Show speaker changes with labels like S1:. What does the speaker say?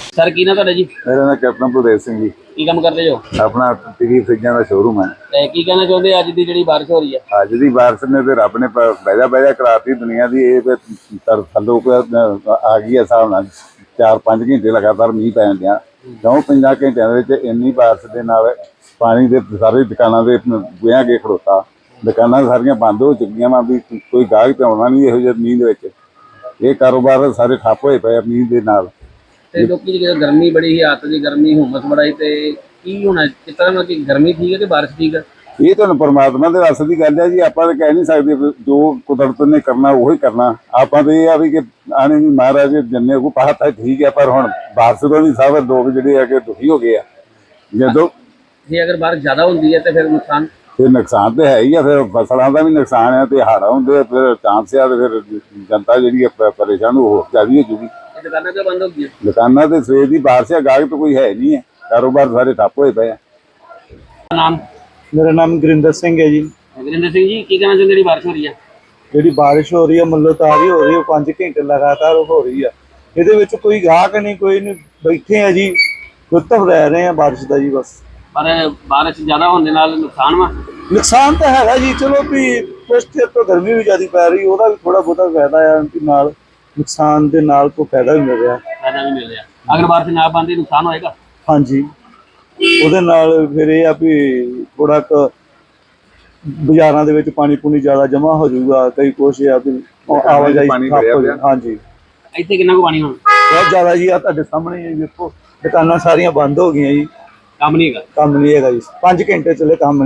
S1: Sir की ना ਤੁਹਾਡਾ ਜੀ?
S2: मेरा नाम कैप्टन भुदेव सिंह जी।
S1: ਕੀ ਕੰਮ ਕਰਦੇ ਜੋ?
S2: अपना टीवी फ्रिजा का शोरूम है।
S1: ਤੇ ਕੀ ਕਹਿਣਾ ਚਾਹੁੰਦੇ ਅੱਜ ਦੀ ਜਿਹੜੀ ਬਾਰਿਸ਼ ਹੋ ਰਹੀ ਹੈ?
S2: अज की बारिश ने तो रब ने बहजा बहजा कराती दुनिया की। थलो आ गई है हिसाब नाल 4-5 घंटे लगातार मीह पैन दिया। 4-5 घंटिया इन्नी बारिश के नाल पानी के सारी दुकानों के गुआ के खड़ोता। दुकाना सारिया बंद हो चुकी वा भी कोई गाहक तो आना नहीं इहो जिहे मीह दे। ये कारोबार सारे ठप होए पे मीह के नाल।
S1: ਤੇ ਲੋਕੀ ਜਿਹੜੀ ਗਰਮੀ ਬੜੀ ਹੀ ਅੱਤ ਦੀ ਗਰਮੀ ਹੁਮਸ ਬੜਾਈ ਤੇ ਕੀ ਹੋਣਾ ਕਿਸ ਤਰ੍ਹਾਂ ਨਾਲ ਕਿ ਗਰਮੀ ਠੀਕ ਹੈ ਕਿ ਬਾਰਿਸ਼ ਠੀਕ ਹੈ?
S2: ਇਹ ਤੁਹਾਨੂੰ ਪਰਮਾਤਮਾ ਦੇ ਵੱਸ ਦੀ ਗੱਲ ਹੈ ਜੀ। ਆਪਾਂ ਤਾਂ ਕਹਿ ਨਹੀਂ ਸਕਦੇ ਵੀ ਜੋ ਕੁਦਰਤ ਨੇ ਕਰਨਾ ਉਹੀ ਕਰਨਾ। ਆਪਾਂ ਤਾਂ ਇਹ ਆ ਵੀ ਕਿ ਆਣੇ ਵੀ ਮਹਾਰਾਜ ਜੰਨੇ ਕੋ ਪਾਤਾ ਠੀਕ ਹੈ, ਪਰ ਹੁਣ ਬਾਰਿਸ਼ ਤੋਂ ਵੀ ਸਭ ਲੋਕ ਜਿਹੜੇ ਆ ਕਿ ਦੁਖੀ ਹੋ ਗਏ ਆ। ਜਦੋਂ
S1: ਜੇ ਅਗਰ ਬਾਰਿਸ਼ ਜ਼ਿਆਦਾ ਹੁੰਦੀ ਹੈ ਤੇ ਫਿਰ ਨੁਕਸਾਨ
S2: ਫਿਰ ਨੁਕਸਾਨ ਤੇ ਹੈ ਹੀ ਆ। ਫਿਰ ਫਸਲਾਂ ਦਾ ਵੀ ਨੁਕਸਾਨ ਹੈ ਤੇ ਹੜ੍ਹ ਹੁੰਦੇ ਆ, ਫਿਰ ਚਾਂਸ ਆ ਤੇ ਫਿਰ ਜਨਤਾ ਜਿਹੜੀ ਆ ਪਰੇਸ਼ਾਨ ਹੋ ਜਾਦੀ ਹੋ ਜੂਗੀ।
S1: ਦੁਕਾਨਾਂ ਕਿਉਂ ਬੰਦ ਹੋ ਗਈਆਂ?
S2: ਦੁਕਾਨਾਂ ਤੇ ਸਵੇਰ ਦੀ ਬਾਰਿਸ਼ ਆ, ਗਾਹਕ ਤਾਂ ਕੋਈ ਹੈ ਨਹੀਂ ਹੈ। ਕਾਰੋਬਾਰ ਸਾਰੇ ਠੱਪ ਹੋਏ ਪਏ ਆ।
S1: ਨਾਮ?
S3: मेरा नाम गुरिंदर सिंह है जी।
S1: ਗੁਰਿੰਦਰ ਸਿੰਘ ਜੀ, ਕੀ ਕਹਿਣਾ ਚਾਹੁੰਦੇ ਜਿਹੜੀ ਬਾਰਿਸ਼ ਹੋ ਰਹੀ ਹੈ?
S3: जी बारिश हो रही है मुल्लोतारी हो रही है 5 घंटे लगातार हो रही है। ये कोई गाहक नहीं कोई नहीं, बैठे हैं जी, लुत्फ ले रहे हैं बारिश का जी बस।
S1: ਪਰ ਬਾਰਿਸ਼ ਜ਼ਿਆਦਾ ਹੋਣ ਦੇ ਨਾਲ ਨੁਕਸਾਨ ਵਾ?
S3: नुकसान तो है जी, चलो भी कुछ चेर तो गर्मी भी ज़्यादा पै रही, ਉਹਦਾ ਵੀ थोड़ा बहुता फायदा है कि नाल नुकसान ਦੇ ਨਾਲ को फायदा भी मिल रहा।
S1: ਫਾਇਦਾ ਵੀ ਮਿਲ ਰਿਹਾ। ਅਗਰ ਬਾਰਿਸ਼ ਨਾ ਬੰਦੀ ਨੁਕਸਾਨ ਹੋਏਗਾ?
S3: हाँ जी, ਉਹਦੇ ਨਾਲ ਫਿਰ ਇਹ ਆ ਵੀ ਥੋੜਾ ਕੁ ਬਾਜ਼ਾਰਾਂ ਦੇ ਵਿੱਚ ਪਾਣੀ ਪੂਣੀ ਜ਼ਿਆਦਾ ਜਮ੍ਹਾਂ ਹੋ ਜਾਊਗਾ। ਕਈ ਕੁਛ ਆ ਵੀ ਆਵਾਜਾਈ ਠੱਪ ਹੋ ਜਾਏ। हाँ जी,
S1: ਇੱਥੇ ਕਿੰਨਾ ਕੁ ਪਾਣੀ ਹੁਣ?
S3: ਬਹੁਤ ਜ਼ਿਆਦਾ ਜੀ। ਆ ਤੁਹਾਡੇ ਸਾਹਮਣੇ ਹੀ ਵੇਖੋ, ਦੁਕਾਨਾਂ ਸਾਰੀਆਂ ਬੰਦ ਹੋ ਗਈਆਂ ਜੀ,
S1: ਕੰਮ ਨਹੀਂ ਹੈਗਾ।
S3: ਕੰਮ ਨਹੀਂ ਹੈਗਾ ਜੀ। 5 ਘੰਟੇ ਚੱਲੇ ਕੰਮ।